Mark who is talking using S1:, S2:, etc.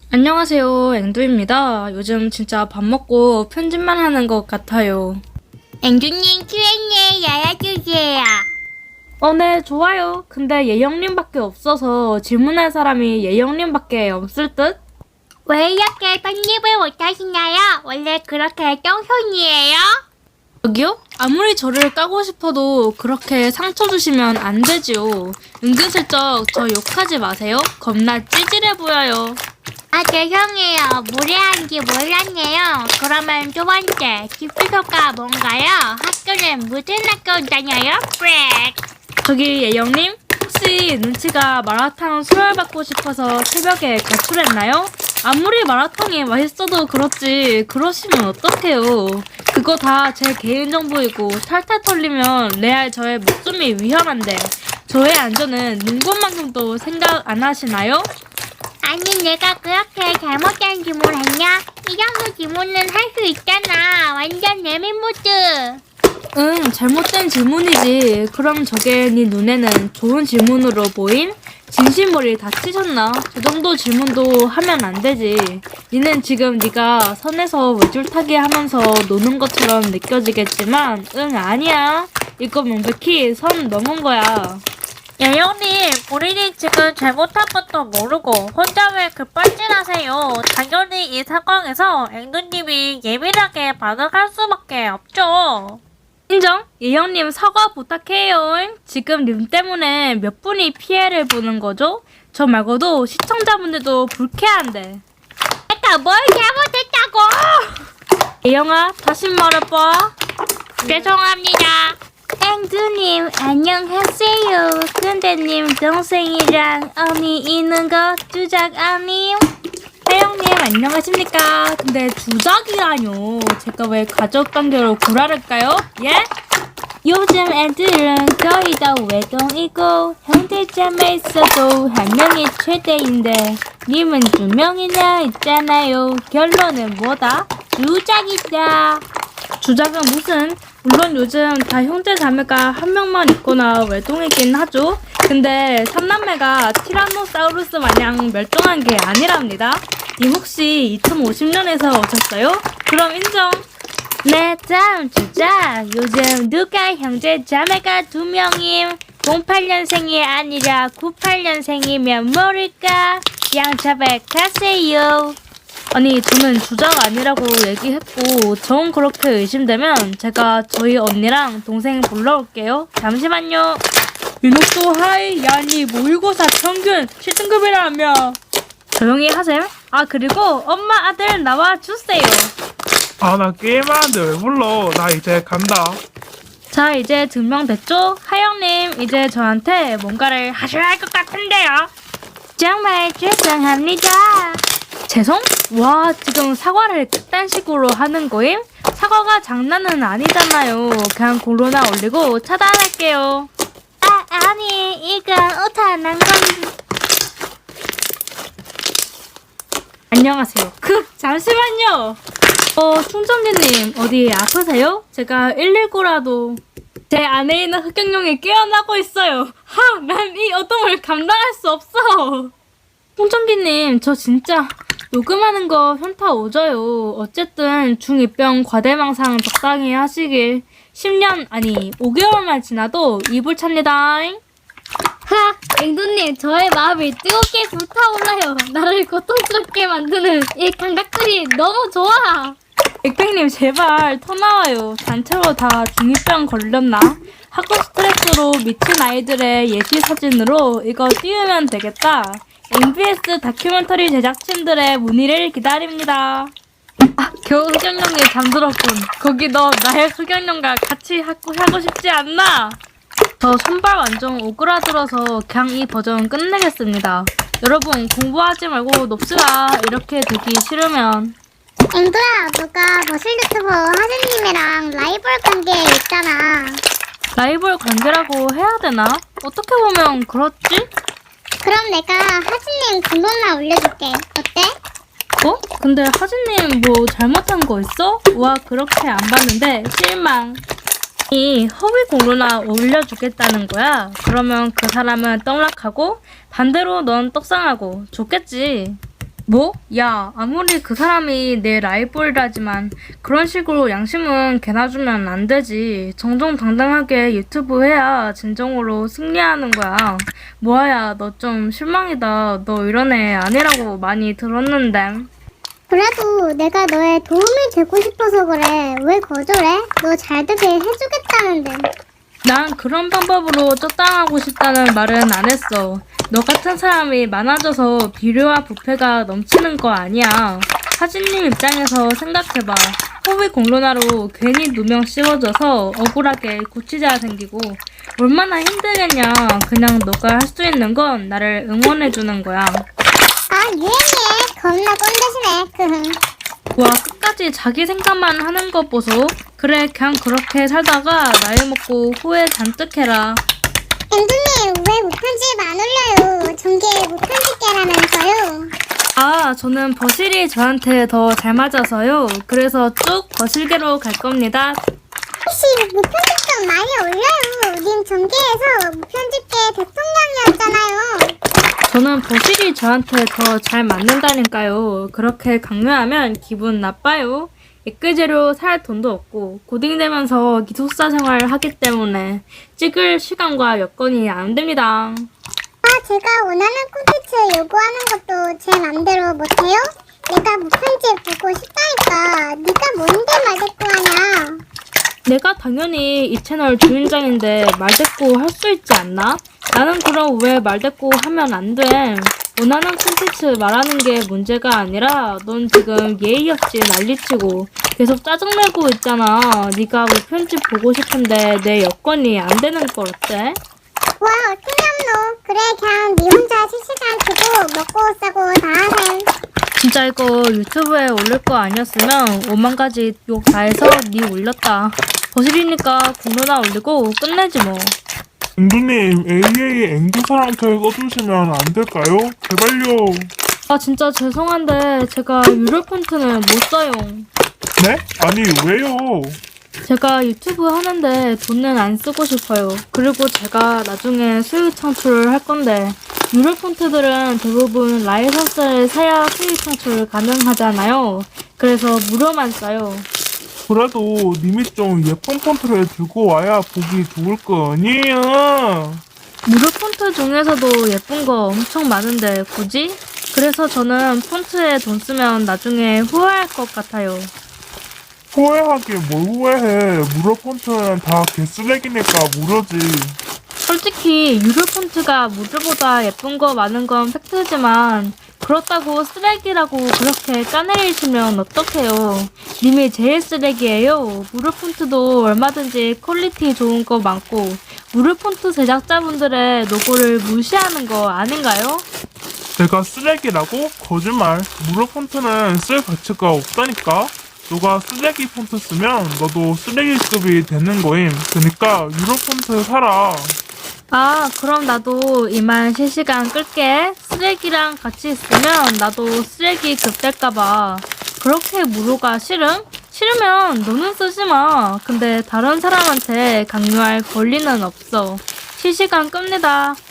S1: 안녕하세요, 앵두입니다. 요즘 진짜 밥 먹고 편집만 하는 것 같아요.
S2: 앵두님 Q&A 열어주세요.
S1: 네, 좋아요. 근데 예영님밖에 없어서 질문할 사람이 예영님밖에 없을 듯?
S2: 왜 이렇게 편집을 못하시나요? 원래 그렇게 똥손이에요?
S1: 저기요? 아무리 저를 까고 싶어도 그렇게 상처 주시면 안 되지요. 은근슬쩍 저 욕하지 마세요. 겁나 찌질해 보여요.
S2: 죄송해요. 무례한지 몰랐네요. 그러면 두 번째, 집주소가 뭔가요? 학교는 무슨 학교 다녀요? 브렉.
S1: 저기 예영님? 혹시 눈치가 마라탕 수혈받고 싶어서 새벽에 가출했나요? 아무리 마라탕이 맛있어도 그렇지 그러시면 어떡해요. 그거 다 제 개인정보이고 탈탈 털리면 레알 저의 목숨이 위험한데 저의 안전은 눈꽃만큼도 생각 안 하시나요?
S2: 아니 내가 그렇게 잘못된 질문했냐? 이 정도 질문은 할 수 있잖아. 완전 내민모드.
S1: 응, 잘못된 질문이지. 그럼 저게 네 눈에는 좋은 질문으로 보임? 진심머리 다치셨나? 저 정도 질문도 하면 안 되지. 니는 지금 네가 선에서 외줄타기 하면서 노는 것처럼 느껴지겠지만 응, 아니야. 이거 명백히 선 넘은 거야.
S2: 예영님, 우리는 지금 잘못한 것도 모르고 혼자 왜 급발진하세요? 당연히 이 상황에서 앵두님이 예민하게 반응할 수밖에 없죠.
S1: 인정? 예영님 사과 부탁해요. 지금 님 때문에 몇 분이 피해를 보는 거죠? 저 말고도 시청자분들도 불쾌한데.
S2: 내가 뭘 잘못했다고?
S1: 예영아, 다시 말해봐.
S2: 죄송합니다.
S1: 앵두님 안녕하세요. 근데 님 동생이랑 언니 있는 거 주작 아님? 혜영님 안녕하십니까? 근데 주작이라뇨. 제가 왜 가족 관계로 구라를까요? 예? 요즘 애들은 거의 다 외동이고 형제자매 있어도 한 명이 최대인데 님은 두 명이나 있잖아요. 결론은 뭐다? 주작이다. 주작은 무슨? 물론 요즘 다 형제 자매가 한 명만 있거나 외동이긴 하죠. 근데 삼남매가 티라노사우루스 마냥 멸종한 게 아니랍니다. 님 혹시 2050년에서 오셨어요? 그럼 인정. 네, 다음 주작. 요즘 누가 형제 자매가 두 명임? 08년생이 아니라 98년생이면 모를까? 양차백하세요. 아니 저는 주작 아니라고 얘기했고 정 그렇게 의심되면 제가 저희 언니랑 동생 불러올게요. 잠시만요. 민호또 하이. 야니 모의고사 평균 7등급이라며. 조용히 하셈. 아 그리고 엄마 아들 나와주세요.
S3: 아, 나 게임하는데 왜 불러? 나 이제 간다.
S1: 자 이제 증명됐죠? 하영님 이제 저한테 뭔가를 하셔야 할 것 같은데요. 정말 죄송합니다. 죄송? 와 지금 사과를 그딴 식으로 하는 거임? 사과가 장난은 아니잖아요. 그냥 고로나 올리고 차단할게요.
S2: 아니, 이건 오타난 건.
S1: 안녕하세요. 잠시만요. 충전기님 어디 아프세요? 제가 119라도 제 안에 있는 흑경룡이 깨어나고 있어요. 난 이 어둠을 감당할 수 없어. 충전기님 저 진짜 녹음하는 거 현타 오져요. 어쨌든 중2병 과대망상 적당히 하시길. 10년 아니 5개월만 지나도 이불 찹니다. 앵두님 저의 마음이 뜨겁게 불타올라요. 나를 고통스럽게 만드는 이 감각들이 너무 좋아. 백백님 제발 터 나와요. 단체로 다 중2병 걸렸나? 학교 스트레스로 미친 아이들의 예시 사진으로 이거 띄우면 되겠다. MBS 다큐멘터리 제작진들의 문의를 기다립니다. 겨우 흑연룡이 잠들었군. 거기 너 나의 흑연룡과 같이 하고 싶지 않나? 저 손발 완전 오그라들어서 그냥 이 버전 끝내겠습니다. 여러분 공부하지 말고 놉시다. 이렇게 되기 싫으면.
S2: 앵두야, 누가 머실 유튜버 하진님이랑 라이벌 관계에 있잖아.
S1: 라이벌 관계라고 해야 되나? 어떻게 보면 그렇지?
S2: 그럼 내가 하진님 등록나 올려줄게. 어때?
S1: 근데 하진님 뭐 잘못한 거 있어? 와 그렇게 안 봤는데 실망. 이 허위 공로나 올려주겠다는 거야. 그러면 그 사람은 떡락하고 반대로 넌 떡상하고 좋겠지. 뭐? 야, 아무리 그 사람이 내 라이벌이라지만 그런 식으로 양심은 개나 주면 안 되지. 정정당당하게 유튜브 해야 진정으로 승리하는 거야. 뭐야, 너 좀 실망이다. 너 이런 애 아니라고 많이 들었는데.
S4: 그래도 내가 너의 도움이 되고 싶어서 그래. 왜 거절해? 너 잘 되게 해주겠다는데.
S1: 난 그런 방법으로 쫓당하고 싶다는 말은 안 했어. 너 같은 사람이 많아져서 비료와 부패가 넘치는 거 아니야. 하진님 입장에서 생각해봐. 호비 공론화로 괜히 누명 씌워져서 억울하게 고치자 생기고 얼마나 힘들겠냐. 그냥 너가 할 수 있는 건 나를 응원해주는 거야.
S4: 아, 유행해. 겁나 꼰대시네. 크흥.
S1: 와, 끝까지 자기 생각만 하는 거 보소. 그래, 그냥 그렇게 살다가 나이 먹고 후회 잔뜩 해라.
S4: 앵두님, 왜 무편집 안 올려요? 전개 무편집계라면서요.
S1: 아, 저는 버실이 저한테 더 잘 맞아서요. 그래서 쭉 버실계로 갈 겁니다.
S4: 혹시 무편집 좀 많이 올려요. 님 전개에서 무편집계 대통령이었잖아요.
S1: 저는 버실이 저한테 더 잘 맞는다니까요. 그렇게 강요하면 기분 나빠요. 액괴제로 살 돈도 없고 고딩되면서 기숙사 생활을 하기 때문에 찍을 시간과 여건이 안 됩니다.
S4: 아, 제가 원하는 콘텐츠 요구하는 것도 제 맘대로 못해요? 내가 무편집 보고 싶다니까. 네가 뭔데 말대꾸하냐.
S1: 내가 당연히 이 채널 주인장인데 말대꾸 할 수 있지 않나? 나는 그럼 왜 말대꾸 하면 안 돼? 원하는 콘텐츠 말하는 게 문제가 아니라 넌 지금 예의 없이 난리치고 계속 짜증내고 있잖아. 네가 무편집 보고 싶은데 내 여건이 안 되는 걸 어때?
S4: 와, 어떡함노. 그래, 그냥 네 혼자 실시간 두고 먹고 싸고 다 하셈.
S1: 진짜 이거 유튜브에 올릴 거 아니었으면 5만 가지 욕 다 해서 네 올렸다. 거실이니까 공로나 올리고 끝내지 뭐.
S3: 앵두님, AA 앵두사랑캐 꺼주시면 안 될까요? 제발요.
S1: 아, 진짜 죄송한데 제가 유료 폰트는 못 써요.
S3: 네? 아니, 왜요?
S1: 제가 유튜브 하는데 돈은 안 쓰고 싶어요. 그리고 제가 나중에 수익 창출을 할 건데 유료 폰트들은 대부분 라이선스를 사야 수익 창출 가능하잖아요. 그래서 무료만 써요.
S3: 그래도 님이 좀 예쁜 폰트를 들고 와야 보기 좋을 거 아니에요?
S1: 무료 폰트 중에서도 예쁜 거 엄청 많은데 굳이? 그래서 저는 폰트에 돈 쓰면 나중에 후회할 것 같아요.
S3: 후회하긴 뭘 후회해. 무료 폰트는 다 개쓰레기니까 무료지.
S1: 솔직히 유료 폰트가 무료보다 예쁜 거 많은 건 팩트지만 그렇다고 쓰레기라고 그렇게 까내리시면 어떡해요. 님이 제일 쓰레기예요. 무료 폰트도 얼마든지 퀄리티 좋은 거 많고 무료 폰트 제작자분들의 노고를 무시하는 거 아닌가요?
S3: 내가 쓰레기라고? 거짓말. 무료 폰트는 쓸 가치가 없다니까? 너가 쓰레기 폰트 쓰면 너도 쓰레기급이 되는 거임. 그니까 유료 폰트 사라.
S1: 아, 그럼 나도 이만 실시간 끌게. 쓰레기랑 같이 있으면 나도 쓰레기 급될까봐. 그렇게 무료가 싫음? 싫으면 너는 쓰지 마. 근데 다른 사람한테 강요할 권리는 없어. 실시간 끕니다.